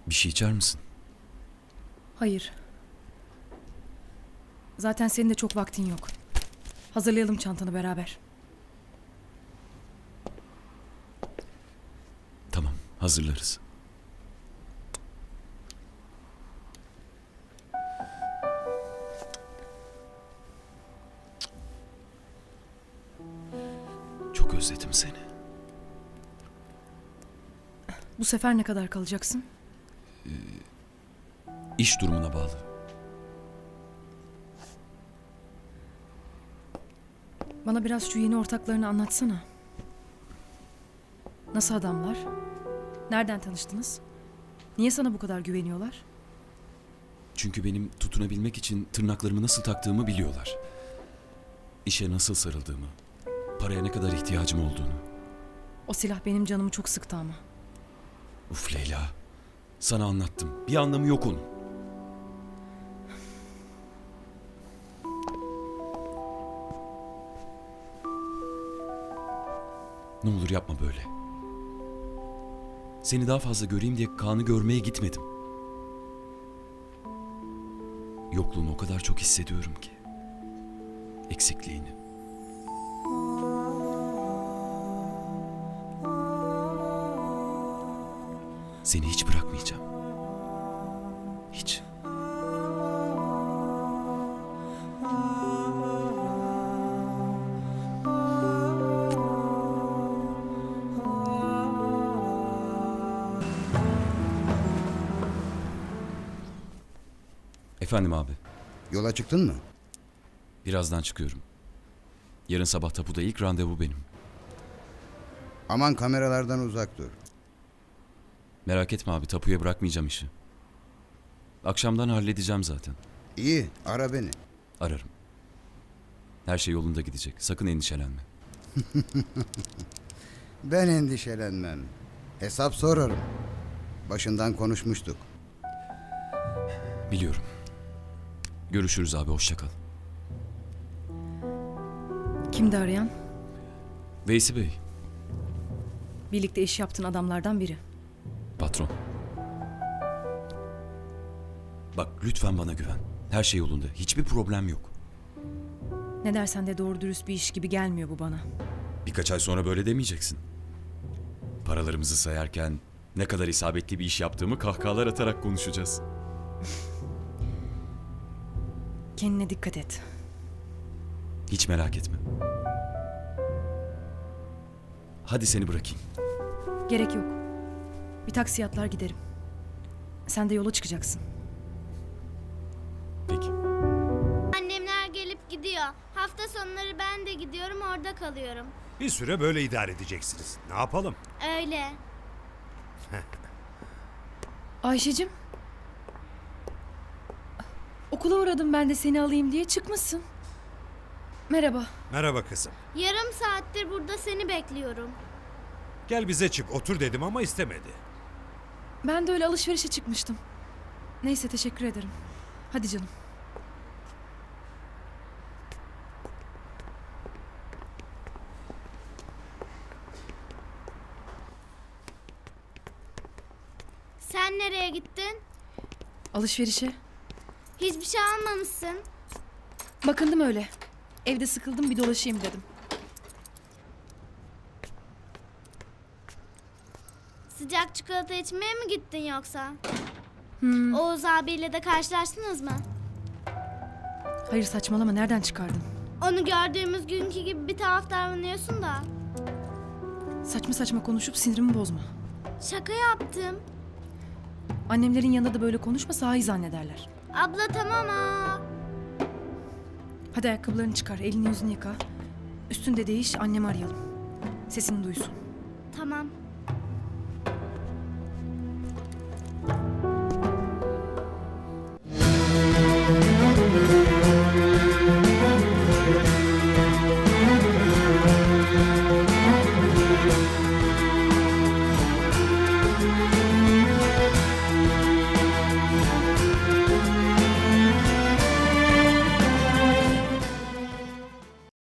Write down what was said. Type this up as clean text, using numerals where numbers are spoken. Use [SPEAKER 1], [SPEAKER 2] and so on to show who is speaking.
[SPEAKER 1] Bir şey içer misin?
[SPEAKER 2] Hayır. Zaten senin de çok vaktin yok. Hazırlayalım çantanı beraber.
[SPEAKER 1] Tamam, hazırlarız. Çok özledim seni.
[SPEAKER 2] Bu sefer ne kadar kalacaksın?
[SPEAKER 1] İş durumuna bağlı.
[SPEAKER 2] Bana biraz şu yeni ortaklarını anlatsana. Nasıl adamlar? Nereden tanıştınız? Niye sana bu kadar güveniyorlar?
[SPEAKER 1] Çünkü benim tutunabilmek için tırnaklarımı nasıl taktığımı biliyorlar. İşe nasıl sarıldığımı, paraya ne kadar ihtiyacım olduğunu.
[SPEAKER 2] O silah benim canımı çok sıktı ama.
[SPEAKER 1] Uf Leyla, sana anlattım. Bir anlamı yok onun. Ne olur yapma böyle. Seni daha fazla göreyim diye Kaan'ı görmeye gitmedim. Yokluğunu o kadar çok hissediyorum ki. Eksikliğini. Seni hiç bırakmayacağım. Hiç. Efendim abi,
[SPEAKER 3] Yola çıktın mı?
[SPEAKER 1] birazdan çıkıyorum. Yarın sabah tapuda ilk randevu benim.
[SPEAKER 3] Aman kameralardan uzak dur.
[SPEAKER 1] Merak etme abi, tapuya bırakmayacağım işi. Akşamdan halledeceğim zaten.
[SPEAKER 3] İyi, ara beni.
[SPEAKER 1] Ararım. Her şey yolunda gidecek. Sakın endişelenme.
[SPEAKER 3] Ben endişelenmem. Hesap sorarım. Başından konuşmuştuk.
[SPEAKER 1] Biliyorum. Görüşürüz abi, hoşça kal.
[SPEAKER 2] Kimdi arayan?
[SPEAKER 1] Veysi Bey,
[SPEAKER 2] Birlikte iş yaptığın adamlardan biri.
[SPEAKER 1] patron. Bak lütfen bana güven. Her şey yolunda. Hiçbir problem yok.
[SPEAKER 2] Ne dersen de doğru dürüst bir iş gibi gelmiyor bu bana.
[SPEAKER 1] Birkaç ay sonra böyle demeyeceksin. Paralarımızı sayarken ne kadar isabetli bir iş yaptığımı kahkahalar atarak konuşacağız.
[SPEAKER 2] Kendine dikkat et.
[SPEAKER 1] Hiç merak etme. Hadi seni bırakayım.
[SPEAKER 2] Gerek yok. Bir taksiye atlar giderim. Sen de yola çıkacaksın.
[SPEAKER 1] Peki.
[SPEAKER 4] Annemler gelip gidiyor. Hafta sonları ben de gidiyorum, orada kalıyorum.
[SPEAKER 5] Bir süre böyle idare edeceksiniz. Ne yapalım?
[SPEAKER 4] Öyle.
[SPEAKER 2] Ayşe'cim. Okula uğradım ben de seni alayım diye, çıkmışsın. Merhaba.
[SPEAKER 5] Merhaba kızım.
[SPEAKER 4] Yarım saattir burada seni bekliyorum.
[SPEAKER 5] Gel bize çık otur dedim ama istemedi.
[SPEAKER 2] Ben de öyle alışverişe çıkmıştım. Neyse, teşekkür ederim. Hadi canım.
[SPEAKER 4] Sen nereye gittin?
[SPEAKER 2] Alışverişe.
[SPEAKER 4] Hiçbir şey almamışsın.
[SPEAKER 2] Bakındım öyle. Evde sıkıldım, bir dolaşayım dedim.
[SPEAKER 4] Sıcak çikolata içmeye mi gittin yoksa? Oğuz abiyle de karşılaştınız mı?
[SPEAKER 2] Hayır, saçmalama, nereden çıkardın?
[SPEAKER 4] Onu gördüğümüz günkü gibi bir tuhaf davranıyorsun da.
[SPEAKER 2] Saçma saçma konuşup sinirimi bozma.
[SPEAKER 4] Şaka yaptım.
[SPEAKER 2] Annemlerin yanında da böyle konuşma, sahi zannederler.
[SPEAKER 4] Abla tamam ha.
[SPEAKER 2] Hadi ayakkabılarını çıkar, elini yüzünü yıka. Üstünde değiş, annemi arayalım. Sesini duysun.
[SPEAKER 4] Tamam.